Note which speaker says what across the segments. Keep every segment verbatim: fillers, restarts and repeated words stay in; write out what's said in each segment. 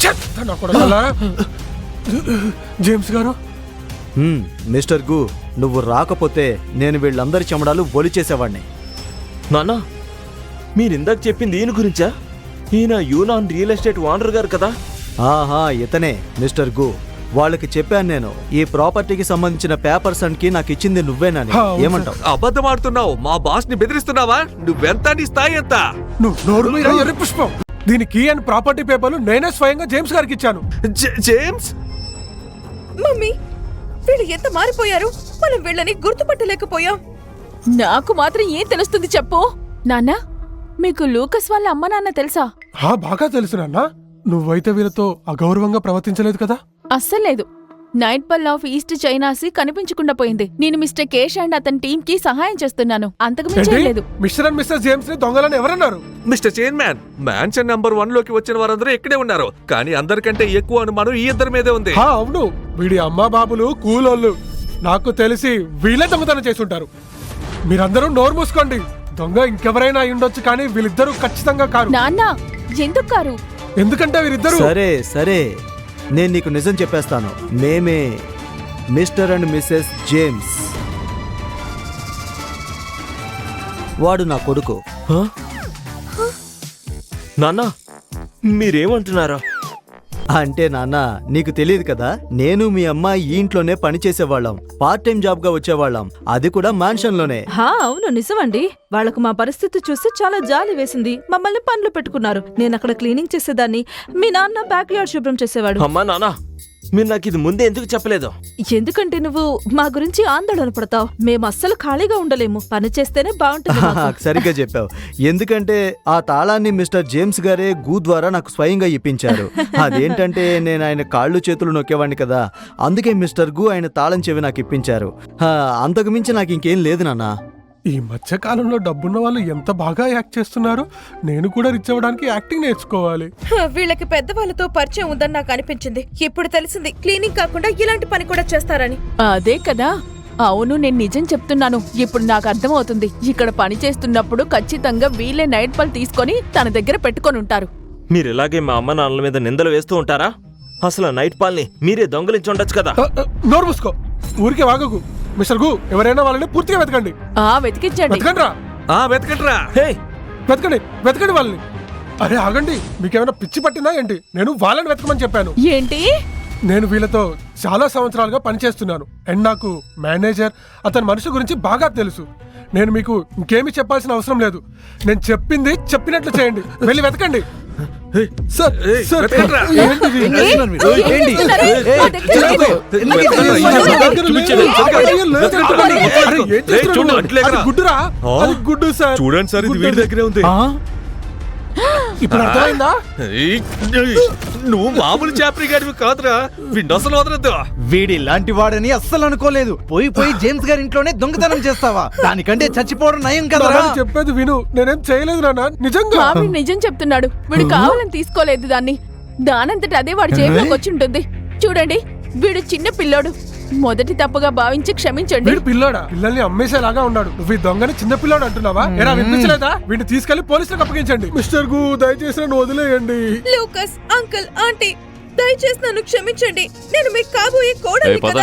Speaker 1: James గారు,
Speaker 2: mister గు, నువ్వు రాకపోతే నేను వీళ్ళందరి చెమడాలు బొలి చేసేవాడిని.
Speaker 3: నాన్న, మీరిందాక చెప్పింది ఈయన గురించా? ఈయన యూనాన్ రియల్ ఎస్టేట్ ఓనర్ గారు కదా?
Speaker 2: ఆహా, ఇతనే మిస్టర్ గు. వాళ్ళకి చెప్పాను నేను, ఈ ప్రాపర్టీకి సంబంధించిన పేపర్స్ అన్కి నాకు ఇచ్చింది నువ్వేనని. ఏమంటావు?
Speaker 4: అబద్ధం ఆడుతున్నావు. మా బాస్ ని బెదిరిస్తున్నావా? నువ్వెంత, నీ స్థాయి ఎంత?
Speaker 1: నువ్వు నోరు మీద ఎర్రి పుష్పం. దీనికి అండ్ ప్రాపర్టీ పేపర్లు నేనే స్వయంగా జేమ్స్ గారికి ఇచ్చాను.
Speaker 4: జేమ్స్,
Speaker 5: మమ్మీ, వీళ్ళు ఎంత మారిపోయారు. మనం వీళ్ళని గుర్తుపట్టలేకపోయాం.
Speaker 6: నాకు మాత్రం ఏం తెలుస్తుంది చెప్పు. నాన్న, మీకు లూకస్ వాళ్ళ అమ్మ నాన్న తెలుసా?
Speaker 1: హా, బాగా తెలుసు నాన్న. నువ్వైతే వీళ్ళతో అగౌరవంగా ప్రవర్తించలేదు కదా?
Speaker 6: అస్సలేదు. నైట్ పల్ ఆఫ్ ఈస్ట్ చైనాసి కనిపించకుండా పోయింది. నేను మిస్టర్ కేష్ అండ్ అతని టీం కి సహాయం చేస్తున్నాను, అంతకు మించి లేదు.
Speaker 1: మిస్టర్ అండ్ మిస్టర్ జేమ్స్ ని దొంగలని ఎవరన్నారు?
Speaker 4: Mister chairman, mansion number one లోకి వచ్చిన వారందరూ ఇక్కడే ఉన్నారు. కానీ అందరికంటే ఎక్కువ అనుమానం ఈ ఇద్దరి మీదే ఉంది.
Speaker 1: హా, అవును. వీడి అమ్మా బాబులు కూలోళ్ళు. నాకు తెలిసి వీళ్ళే దొంగతనం చేసుంటారు. మీరందరూ నోరు మూసుకోండి. దొంగ ఇంకెవరైనా అయి ఉండొచ్చు, కానీ వీళ్ళిద్దరూ ఖచ్చితంగా కారు.
Speaker 6: నాన్న, ఎందుకు కారు?
Speaker 1: ఎందుకంటే వీరిద్దరూ.
Speaker 2: సరే సరే, నేను నీకు నిజం చెప్పేస్తాను. మేమే మిస్టర్ అండ్ మిస్సెస్ జేమ్స్. వాడు నా కొడుకు.
Speaker 3: నాన్న, మీరేమంటున్నారా?
Speaker 2: అంటే నాన్న, నీకు తెలియదు కదా, నేను మీ అమ్మ ఈ ఇంట్లోనే పనిచేసేవాళ్ళం. పార్ట్ టైం జాబ్ గా వచ్చేవాళ్ళం, అది కూడా మ్యాన్షన్ లోనే.
Speaker 7: హా, అవును, నిజమండి. వాళ్లకు మా పరిస్థితి చూసి చాలా జాలి వేసింది. మమ్మల్ని పనులు పెట్టుకున్నారు. నేను అక్కడ క్లీనింగ్ చేసేదాన్ని, మీ నాన్న బ్యాక్ యార్డ్ శుభ్రం చేసేవాడు.
Speaker 3: అమ్మా నాన్న, మీరు నాకు ఇది ముందే ఎందుకు చెప్పలేదు?
Speaker 7: ఎందుకంటే నువ్వు మా గురించి ఆందోళన పడతావు. మేము అస్సలు ఖాళీగా ఉండలేము, పని చేస్తేనే బాగుంటుంది మాకు.
Speaker 2: సరిగ్గా చెప్పావు. ఎందుకంటే ఆ తాళాన్ని మిస్టర్ జేమ్స్ గారే గూ ద్వారా నాకు స్వయంగా ఇప్పించారు. అదేంటంటే నేను ఆయన కాళ్ళు చేతులు నొక్కేవాడిని కదా, అందుకే మిస్టర్ గు ఆయన తాళం చెవి నాకు ఇప్పించారు. అంతకు మించి నాకు ఇంకేం లేదు నాన్న.
Speaker 1: ఈ మధ్య కాలంలో డబ్బున్న వాళ్ళు ఎంత బాగా యాక్ట్ చేస్తున్నారు. నేను కూడా రిచ్ అవ్వడానికి యాక్టింగ్ నేర్చుకోవాలి.
Speaker 5: వీళ్ళకి పెద్దవాళ్ళతో పరిచయం ఉందని నాకు అనిపించింది. ఇప్పుడు తెలిసింది క్లీనింగ్ కాకుండా ఇలాంటి పని కూడా చేస్తారని.
Speaker 6: అదే కదా. అవును, నేను నిజం చెప్తున్నాను. ఇప్పుడు నాకు అర్థమవుతుంది. ఇక్కడ పని చేస్తున్నప్పుడు ఖచ్చితంగా వీళ్ళే నైట్ పల్ తీసుకొని తన దగ్గర పెట్టుకొని ఉంటారు.
Speaker 3: మీరు ఇలాగే మా అమ్మ నాన్నల మీద నిందలు వేస్తూ ఉంటారా? అసలు నైట్ పాల్ని మీరే దొంగలించి ఉండొచ్చు కదా.
Speaker 1: నోరు మూసుకో, ఊరికే వాగకు. మిస్టర్ గు, ఎవరైనా వాళ్ళని పూర్తిగా వెతకండి.
Speaker 6: ఆ వెతికించండి.
Speaker 1: వెతకండి రా.
Speaker 4: ఆ వెతకండిరా.
Speaker 3: హే,
Speaker 1: వెతకండి, వెతకండి వాళ్ళని. అరే ఆగండి, మీకేమైనా పిచ్చి పట్టిందా ఏంటి? నేను వాళ్ళని వెతకమని చెప్పాను.
Speaker 6: ఏంటి?
Speaker 1: నేను వీళ్ళతో చాలా సంవత్సరాలుగా పనిచేస్తున్నాను. అండ్ నాకు మేనేజర్, అతని మనిషి గురించి బాగా తెలుసు. నేను మీకు ఇంకేమీ చెప్పాల్సిన అవసరం లేదు. నేను చెప్పింది చెప్పినట్లు చేయండి. వెళ్ళి వెతకండి. సార్, సార్,
Speaker 4: వెతకండిరా.
Speaker 1: ఏంటిది?
Speaker 2: ఏంటి?
Speaker 1: అరే, ఏం చేస్తున్నావు? అది గుడ్డురా, అది గుడ్డు సార్.
Speaker 4: చూడండి సార్, ఇది వీడి దగ్గరే ఉంది.
Speaker 1: ఇప్పుడు అర్థమైందా?
Speaker 4: నువ్వు మామూలు చాపరి గారివి కాదురా. వీడిని అసలు వదలద్దు.
Speaker 8: వీడి లాంటి వాడని అస్సలు అనుకోలేదు. పోయి పోయి జేమ్స్ గారి ఇంట్లోనే దొంగతనం చేస్తావా? దానికంటే చచ్చిపోవడం నయం కదా.
Speaker 1: చెప్పేది విను, నేనేం చేయలేదు నాన్న, నిజంగా.
Speaker 6: మావి నిజం చెప్తున్నాడు. వీడు కావాలని తీసుకోలేదు దాన్ని. దానంతట అదే వాడి జేబులోకి వచ్చి ఉంటుంది. చూడండి, వీడు చిన్న పిల్లోడు. మొదటి తప్పుగా భావించి క్షమించండి.
Speaker 1: వీడు పిల్లోడా? పిల్లల్ని అమ్మేసేలాగా ఉన్నాడు. నువ్వు ఈ దొంగని చిన్న పిల్లోడు అంటున్నావా? ఎలా వినిపించలేదా? వీడిని తీసుకెళ్లి పోలీసులకు అప్పగించండి. మిస్టర్ గు, దయచేసి నన్ను వదిలేయండి.
Speaker 5: లూకస్, అంకుల్, ఆంటీ, దయచేసి నన్ను క్షమించండి. నేను మీకు కాబోయే కోడలి కదా.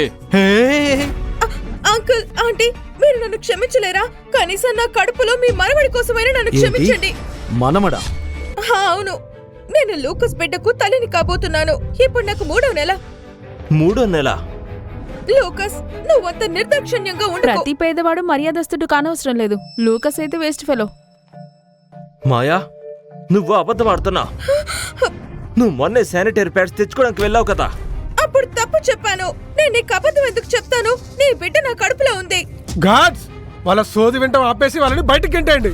Speaker 5: అంకుల్, ఆంటీ, మీరు నన్ను క్షమించలేరా? కనీసం నా కడుపులో మీ మనవడి కోసమైనా నన్ను క్షమించండి.
Speaker 2: మనమడా?
Speaker 5: అవును, నేను లూకస్ బిడ్డకు తల్లిని కాబోతున్నాను. ఇప్పుడు నాకు మూడో నెల.
Speaker 3: మూడో నెల?
Speaker 5: లూకస్, నువ్వంత నిర్దాక్షిణ్యంగా ఉండకు.
Speaker 6: ప్రతి పేదవాడు మర్యాదస్తుడు కానవసరం లేదు. లూకస్ అయితే వేస్ట్ ఫెలో.
Speaker 3: మాయా, నువ్వు అబద్ధం ఆడుతున్నా. నువ్వు మొన్నే శానిటరీ ప్యాడ్స్ తెచ్చుకోవడానికి వెళ్ళావు కదా.
Speaker 5: అప్పుడు తప్పు చెప్పాను. నేను నీకు అబద్ధం ఎందుకు చెప్తాను? నీ బిడ్డ నా కడుపులో ఉంది.
Speaker 1: గాడ్స్, వాళ్ళ సోది వింటాం ఆపేసి వాళ్ళని బయటికి గెంటేయండి.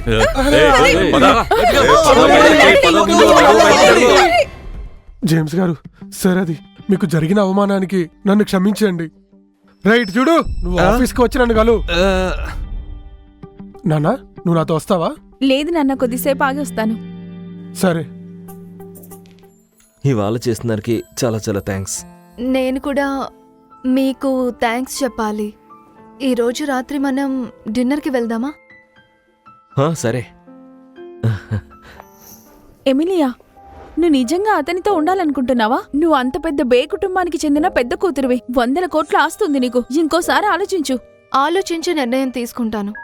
Speaker 1: జేమ్స్ గారు, సార్, అది మీకు జరిగిన అవమానానికి నన్ను క్షమించండి. రైట్, చూడు, నువ్వు ఆఫీస్కి వచ్చి నన్ను కలు. నాన్నా, నువ్వు నాతో వస్తావా?
Speaker 6: లేదు నాన్న, కొద్దిసేపు ఆగి వస్తాను.
Speaker 1: సరే.
Speaker 3: ఇవాళ చేసినారికి చాలా చాలా థ్యాంక్స్.
Speaker 9: నేను కూడా మీకు థ్యాంక్స్ చెప్పాలి. ఈరోజు రాత్రి మనం డిన్నర్కి వెళ్దామా?
Speaker 3: సరే.
Speaker 6: ఎమిలియా, నువ్వు నిజంగా అతనితో ఉండాలనుకుంటున్నావా? నువ్వు అంత పెద్ద బే కుటుంబానికి చెందిన పెద్ద కూతురువి. వందల కోట్ల ఆస్తుంది నీకు. ఇంకోసారి ఆలోచించు.
Speaker 9: ఆలోచించి నిర్ణయం తీసుకుంటాను.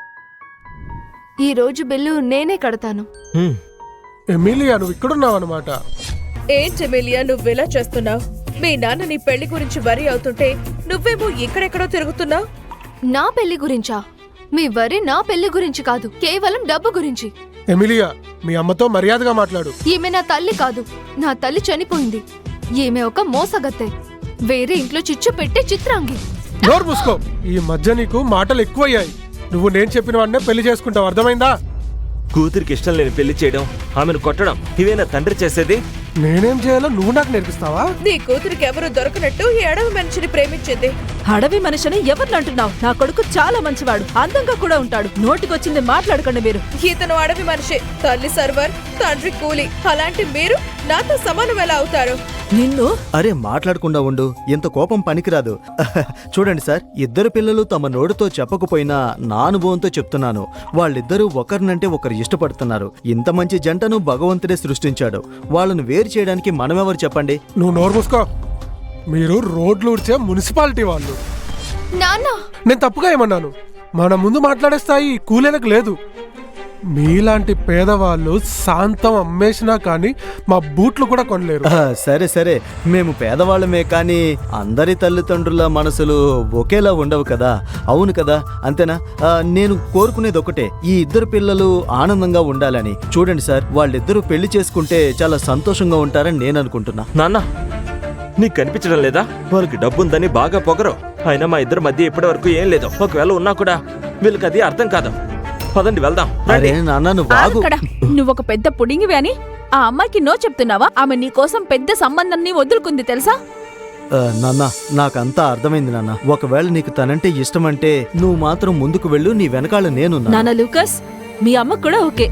Speaker 9: ఈ రోజు బిల్లు నేనే కడతాను.
Speaker 3: హ్మ్.
Speaker 1: ఎమిలియా నువ్వు ఇక్కడున్నావు అనమాట.
Speaker 5: ఏంటి ఎమిలియా నువ్వెలా చేస్తున్నావు? మీ నాన్న నీ పెళ్లి గురించి వరి అవుతుంటే నువ్వేమో ఎక్కడెక్కడో తిరుగుతున్నావు.
Speaker 9: నా పెళ్లి గురించా? మీ వరి నా పెళ్లి గురించి కాదు, కేవలం డబ్బు గురించి.
Speaker 1: ఎమిలియా మీ అమ్మతో మర్యాదగా మాట్లాడు.
Speaker 9: ఈమె నా తల్లి కాదు, నా తల్లి చనిపోయింది. ఈమె ఒక మోసగత్తె, వేరే ఇంట్లో చిచ్చు పెట్టే చిత్రాంగి.
Speaker 1: నోరు మూసుకో. ఈ మధ్య నీకు మాటలు ఎక్కువయ్యాయి. నువ్వు నేను చెప్పిన వాడినే పెళ్లి చేసుకుంటావు, అర్థమైందా?
Speaker 3: కూతురికి ఇష్టం లేని పెళ్లి చేయడం, ఆమెను కొట్టడం ఇవేనా తండ్రి చేసేది?
Speaker 1: నేనేం చేయాలో నువ్వు నాకు నేర్పిస్తావా?
Speaker 5: నీ కూతురికి ఎవరు దొరకనట్టు ఈ అడవి మనిషిని ప్రేమించింది.
Speaker 7: అడవి మనిషిని ఎవరిని అంటున్నావు? నా కొడుకు చాలా మంచివాడు, అందంగా కూడా ఉంటాడు. నోటికొచ్చింది మాట్లాడకండి మీరు.
Speaker 5: ఇతను అడవి మనిషి, తల్లి సర్వర్, తండ్రి కూలి. అలాంటి మీరు నాతో సమానం ఎలా అవుతారు?
Speaker 7: నిన్ను
Speaker 2: అరే మాట్లాడకుండా ఉండు, ఇంత కోపం పనికిరాదు. చూడండి సార్, ఇద్దరు పిల్లలు తమ నోటితో చెప్పకపోయినా నా అనుభవంతో చెప్తున్నాను. వాళ్ళిద్దరూ ఒకరినంటే ఒకరు ఇష్టపడుతున్నారు. ఇంత మంచి జంటను భగవంతుడే సృష్టించాడు. వాళ్ళను వేరు చేయడానికి మనమెవరు చెప్పండి?
Speaker 1: నువ్వు నోరు మూసుకో. మీరు రోడ్లు ఊడ్చే మున్సిపాలిటీ వాళ్ళు.
Speaker 9: నాన్న,
Speaker 1: నేను తప్పుగా ఏమన్నాను? మన ముందు మాట్లాడే స్థాయి కూలీలకు లేదు. మీలాంటి పేదవాళ్ళు శాంతం అమ్మేసినా కానీ మా బూట్లు కూడా కొనలేరు.
Speaker 2: ఆ, సరే సరే, మేము పేదవాళ్ళమే కానీ అందరి తల్లిదండ్రుల మనసులు ఒకేలా ఉండవు కదా. అవును కదా, అంతేనా? ఆ, నేను కోరుకునేది ఒకటే, ఈ ఇద్దరు పిల్లలు ఆనందంగా ఉండాలని. చూడండి సార్, వాళ్ళిద్దరూ పెళ్లి చేసుకుంటే చాలా సంతోషంగా ఉంటారని నేను అనుకుంటున్నా.
Speaker 3: నాన్న, నీకు కనిపించడం లేదా? వాళ్ళకి డబ్బుందని బాగా పొగరు. అయినా మా ఇద్దరి మధ్య ఇప్పటి వరకు ఏం లేదు. ఒకవేళ ఉన్నా కూడా వీళ్ళకి అది అర్థం కాదు. పదండి వెళ్దాం.
Speaker 2: అరే నాన్న, నువ్వు బాగు.
Speaker 6: అక్కడ నువ్వొక పెద్ద పుడింగివి అని ఆ అమ్మాయికి నో చెప్తున్నావా? ఆమె నీ కోసం పెద్ద సంబంధాన్ని వదులుకుంది తెలుసా?
Speaker 2: ఆ, నాన్న, నాకంతా అర్థమైంది నాన్న. ఒకవేళ నీకు తనంటే ఇష్టమంటే నువ్వు మాత్రం ముందుకు వెళ్ళు, నీ వెనకాల నేను.
Speaker 7: నాన్న లూకస్, మీ అమ్మ కూడా ఓకే.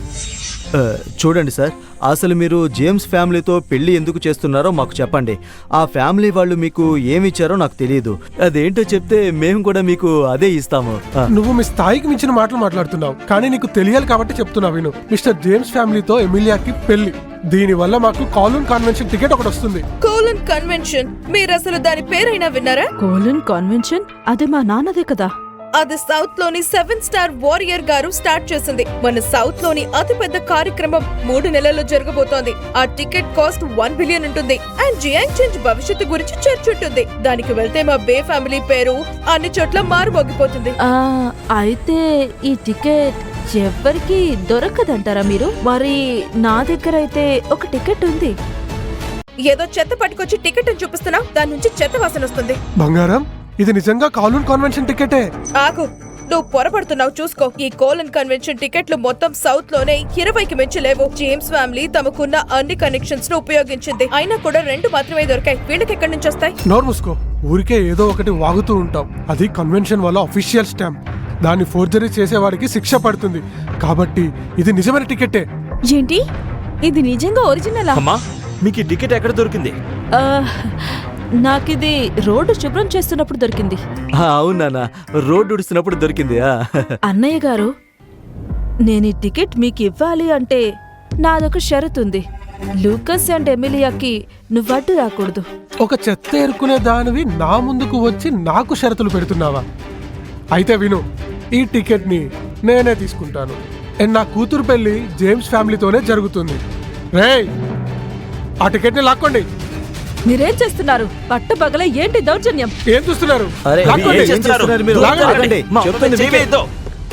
Speaker 2: చూడండి సార్, అసలు మీరు జేమ్స్ ఫ్యామిలీతో పెళ్లి ఎందుకు చేస్తున్నారో మాకు చెప్పండి. ఆ ఫ్యామిలీ వాళ్ళు మీకు ఏమిచ్చారో నాకు తెలియదు. అదేంటో చెప్తే మేము కూడా మీకు అదే ఇస్తాము. ఆ,
Speaker 1: నువ్వు మీ స్థాయికి మించిన మాటలు మాట్లాడుతున్నావు, కానీ నీకు తెలియాలి కాబట్టి చెప్తున్నా విను. మిస్టర్ జేమ్స్ ఫ్యామిలీతో ఎమిలియాకి పెళ్లి. దీని వల్ల మాకు కాలూన్ కన్వెన్షన్ టికెట్ ఒకటి వస్తుంది.
Speaker 5: కోలన్ కన్వెన్షన్, మీరు అసలు దాని పేరైనా విన్నారా?
Speaker 7: కోలన్ కాన్వెన్షన్? అది మా నాన్నదే కదా.
Speaker 5: అది సౌత్ లోని సెవెన్ స్టార్ వారియర్ గారు స్టార్ట్ చేసింది. మన సౌత్ లోని అతిపెద్ద కార్యక్రమం మూడు నెలల్లో జరగబోతోంది. ఆ టికెట్ కాస్ట్ వన్ బిలియన్ ఉంటుంది. అండ్ జియాంగ్ చేంజ్ భవిష్యత్తు గురించి చర్చ ఉంటుంది. దానికి వెళ్తే మా బే ఫ్యామిలీ పేరు అన్ని చోట్ల మారుమోగిపోతుంది.
Speaker 7: ఆ, అయితే ఈ టికెట్ ఎవరికి దొరకదంటారా మీరు? మరి నా దగ్గర అయితే ఒక టికెట్ ఉంది.
Speaker 5: ఏదో చెత్త పట్టుకొచ్చి టికెట్ అని చూపిస్తున్నా, దాని నుంచి చెత్త వాసన వస్తుంది.
Speaker 1: బంగారం, ఇది నిజంగా కాలూన్ కన్వెన్షన్ టికెటే.
Speaker 5: ఆగు, నువ్వు పొరపడుతున్నావు, చూసుకో. ఈ కోలన్ కన్వెన్షన్ టికెట్లు మొత్తం సౌత్ లోనే ఇరవైకి మించి లేవు. జేమ్స్ ఫ్యామిలీ తమకున్న అన్ని కనెక్షన్స్ ను ఉపయోగించింది. అయినా కూడా రెండు మాత్రమే దొరికాయి. వీళ్ళకి ఎక్కడి నుంచి వస్తాయి?
Speaker 1: నోరు మూసుకో. ఊరికే ఏదో ఒకటి వాగుతూ ఉంటాం. అది కన్వెన్షన్ వల్ల అఫీషియల్ స్టాంప్. దాన్ని ఫోర్జరీ చేసేవాడికి శిక్ష పడుతుంది. కాబట్టి ఇది నిజమైన టికెటే.
Speaker 6: ఏంటి, ఇది నిజంగా ఒరిజినలా?
Speaker 3: అమ్మా, మీకు ఈ టికెట్ ఎక్కడ దొరికింది?
Speaker 7: ఆ, నాకిది రోడ్డు శుభ్రం చేస్తున్నప్పుడు దొరికింది.
Speaker 2: ఆ, అవును నాన్న, రోడ్డు ఉడుస్తున్నప్పుడు దొరికింది. ఆ.
Speaker 7: అన్నయ్య గారు, నేను ఈ టికెట్ మీకు ఇవ్వాలి అంటే నాదొక షరతు ఉంది. లూకస్ అండ్ ఎమిలియాకి నువ్వు అడ్డు రాకూడదు.
Speaker 1: ఒక చెత్త ఏరుకునే దానివి నా ముందుకు వచ్చి నాకు షరతులు పెడుతున్నావా? అయితే విను, ఈ టికెట్ ని నేనే తీసుకుంటాను. అండ్ నా కూతురు పెళ్లి జేమ్స్ ఫ్యామిలీతోనే జరుగుతుంది. రేయ్, ఆ టికెట్ ని లాక్కోండి.
Speaker 7: మీరేం చేస్తున్నారు? పట్టపగల ఏంటి దౌర్జన్యం?
Speaker 1: ఏం చూస్తున్నారు?
Speaker 2: అరే,
Speaker 1: లాక్కోండి.
Speaker 2: ఏం చేస్తున్నారు మీరు?
Speaker 1: లాగండి.
Speaker 2: లాగండి.
Speaker 3: మా
Speaker 2: చెప్తుంది
Speaker 3: అమ్మని
Speaker 2: మీకే.
Speaker 3: చేయవేయొద్దు.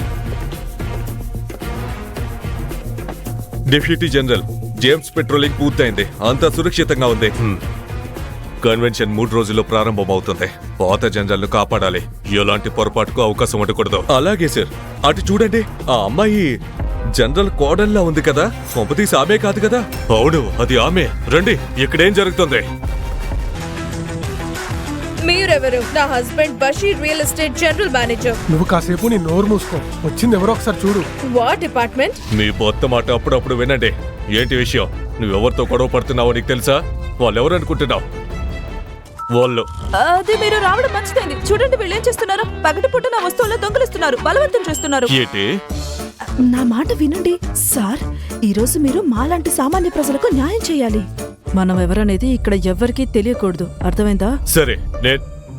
Speaker 4: డిప్యూటీ జనరల్, జేమ్స్ పెట్రోలింగ్ పూర్తయింది. అంతా సురక్షితంగా ఉంది. కన్వెన్షన్ మూడు రోజుల్లో ప్రారంభమవుతుంది. పాత జనరల్ ను కాపాడాలి. ఎలాంటి పొరపాటుకు అవకాశం ఉండకూడదు. అలాగే సార్. అటు చూడండి, ఆ అమ్మాయి జనరల్ కోడల్లా ఉంది కదా. కొంపతీసి ఆమె కాదు కదా? అవును, అది ఆమె. రండి, ఇక్కడేం జరుగుతుంది?
Speaker 5: మీరెవరు? నా husband Basheer, real estate general manager.
Speaker 1: నువ్వు కాసేపు నీ నోరు మూసుకో. వచ్చింది ఎవరో ఒకసారి చూడు.
Speaker 5: What department?
Speaker 4: మీ కొత్త మాట అప్పుడప్పుడు వినండి. ఏంటి విషయం? నువ్వెవరితో గొడవ పడుతున్నావో నీకు తెలుసా? వాళ్ళెవరు అనుకుంటున్నావు? వాళ్ళు
Speaker 7: అది మీరు రావడం మంచిదైంది. చూడండి వీళ్ళు ఏం చేస్తున్నారు. పగటిపూట నా వస్తువుల్లో దొంగలిస్తున్నారు, బలవంతం చేస్తున్నారు.
Speaker 4: ఏంటి?
Speaker 7: నా మాట వినండి సార్, ఈ రోజు మీరు మాలాంటి సామాన్య ప్రజలకు న్యాయం చేయాలి. మనం ఎవరనేది ఇక్కడ ఎవ్వరికీ తెలియకూడదు, అర్థమైందా?
Speaker 4: సరే నేను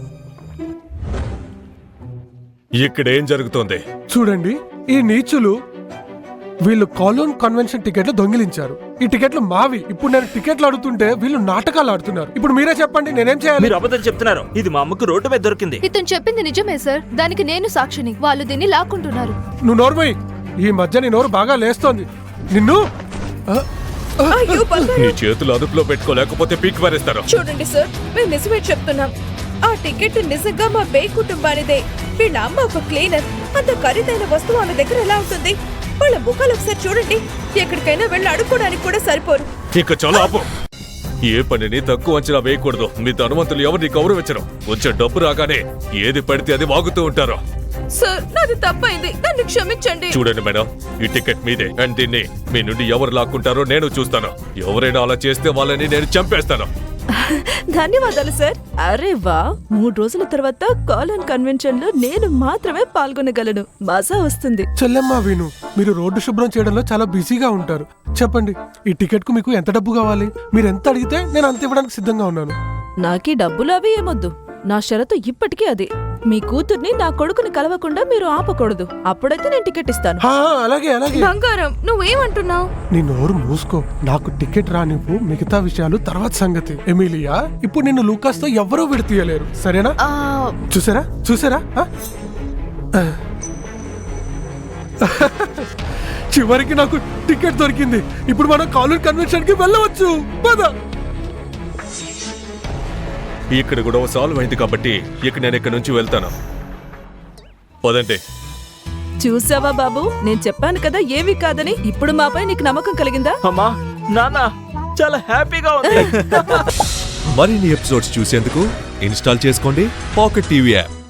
Speaker 4: ఇక్కడ ఏం జరుగుతోంది?
Speaker 1: చూడండి, ఈ నీచులు వీళ్ళు కాలోన్ కన్వెన్షన్ టికెట్లు దొంగిలించారు. ఈ టికెట్లు మావి. ఇప్పుడు నేను టికెట్లు అడుగుతుంటే వీళ్ళు నాటకాలు ఆడుతున్నారు. ఇప్పుడు మీరే చెప్పండి, నేనేం చేయాలి?
Speaker 3: మీరు అబద్ధం చెప్తున్నారు. ఇది మా అమ్మకు రోడ్డు మీద దొరికింది.
Speaker 9: ఇతను చెప్పింది నిజమే సార్, దానికి నేను సాక్షిని. వాళ్ళు దీన్ని లాక్కుంటున్నారు.
Speaker 1: నువ్వు నోర్మై, ఈ మధ్య నీ నోరు బాగా లేస్తోంది. నిన్ను ఆ,
Speaker 5: అయ్యో బంగారం.
Speaker 4: నీ చేతులు అదుపులో పెట్టుకోలేకపోతే పీక్ పారేస్తారు.
Speaker 5: చూడండి సార్, మేము నిజమే చెప్తున్నాం. ఆ టికెట్ నిజంగా మా బే కుటుంబానిదే. వీళ్ళ అమ్మ ఒక క్లీనర్. అంత ఖరీదైన వస్తువు ఆమె దగ్గర ఎలా ఉంటుంది? వాళ్ళ ముఖాలు ఒకసారి చూడండి. ఎక్కడికైనా వెళ్ళి అడుక్కోవడానికి కూడా సరిపోరు.
Speaker 4: ఇక చాలా ఆపు. ఏ పనిని తక్కువ అంచనా వేయకూడదు. మీ ధనవంతులు ఎవరిని గౌరవించరు. కొంచెం డబ్బు రాగానే ఏది పడితే అది వాగుతూ ఉంటారు.
Speaker 5: సార్, నాది తప్పైంది, నన్ను క్షమించండి.
Speaker 4: చూడండి మేడం, ఈ టికెట్ మీదే. అండ్ దీన్ని మీ నుండి ఎవరు లాక్కుంటారో నేను చూస్తాను. ఎవరైనా అలా చేస్తే వాళ్ళని నేను చంపేస్తాను.
Speaker 7: ధన్యవాదాలు సార్. అరే వా, మూడు రోజుల తర్వాత కాలోన్ కన్వెన్షన్ లో నేను మాత్రమే పాల్గొనగలను. మజా వస్తుంది.
Speaker 1: చెల్లెమ్మ విను, మీరు రోడ్డు శుభ్రం చేయడంలో చాలా బిజీగా ఉంటారు. చెప్పండి, ఈ టికెట్ కు మీకు ఎంత డబ్బు కావాలి? మీరు ఎంత అడిగితే నేను అంత ఇవ్వడానికి సిద్ధంగా ఉన్నాను.
Speaker 7: నాకీ డబ్బులు అవి ఏమొద్దు. నా షరతు ఇప్పటికీ అది. మీ కూతుర్ని నా కొడుకుని కలవకుండా మీరు ఆపకూడదు. అప్పుడైతే నేను టికెట్ ఇస్తాను.
Speaker 1: హా, అలాగే అలాగే.
Speaker 5: బంగారం, నువ్వేమంటున్నావు?
Speaker 1: నీ నోరు మూసుకో. నాకు టికెట్ రానివ్వు, మిగతా విషయాలు తర్వాత సంగతి. ఎమిలియా, ఇప్పుడు నిన్ను లూకాస్ తో ఎవరూ విడతీయలేరు, సరేనా?
Speaker 9: ఆ,
Speaker 1: చూసారా చూసారా ఆ? ఆ. చివరికి నాకు టికెట్ దొరికింది. ఇప్పుడు మనం కాలోన్ కన్వెన్షన్ కి వెళ్ళవచ్చు. పద.
Speaker 4: ఇక్కడ కూడా సాల్వ్ అయింది కాబట్టి ఇక నేను ఇక్కడ నుంచి వెళ్తాను. పదండి.
Speaker 7: చూసావా బాబు, నేను చెప్పాను కదా ఏమీ కాదని. ఇప్పుడు మాపై నీకు నమ్మకం కలిగిందా?
Speaker 3: అమ్మా, నాన్న, చాలా హ్యాపీగా ఉంది.
Speaker 4: మరిన్ని ఎపిసోడ్స్ చూసేందుకు ఇన్స్టాల్ చేసుకోండి పాకెట్ టీవీ యాప్.